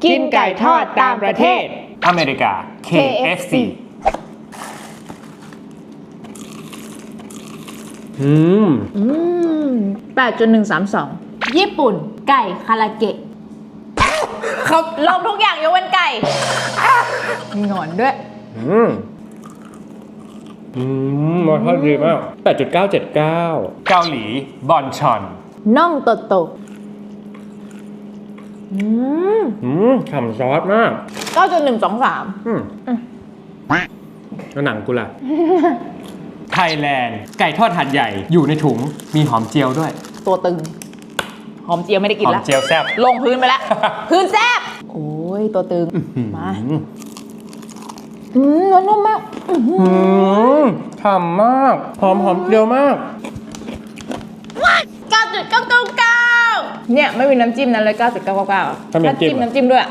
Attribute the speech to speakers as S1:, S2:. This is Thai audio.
S1: กินไก่ทอดตามประเทศ
S2: อเมริกา KFC
S1: 8.132 ญี่ปุ่นไก่คาราเกะเขาลงทุกอย่างยกเว้นไก่มีหนอนด้วย
S3: รสชาติดีมาก 8.979
S2: เกาหลีบอนชอน
S1: น่องโตโต
S3: ฉ่ำซอสมาก
S1: 9.123
S3: แล้วหนังกูล่ะ
S2: ไทยแลนด์ไก่ทอดหัดใหญ่อยู่ในถุงมีหอมเจียวด้วย
S1: ตัวตึง หอมเจียวไม่ได้กิน
S2: หอม
S1: แล้ว
S2: เจียวแซ่บ
S1: ลงพื้นไปแล้ว พื้นแซบโอ้ยตัวตึง มามันนุ่มมาก
S3: ฉ่ำมาก หอมเจียวมาก
S1: 9.999 เนี่ย ไม่มีน้ำจิ้มนั้นเลย 9.999
S3: ถ้ามีน้ำจิ้ม
S1: น้ำจิ้มด้วย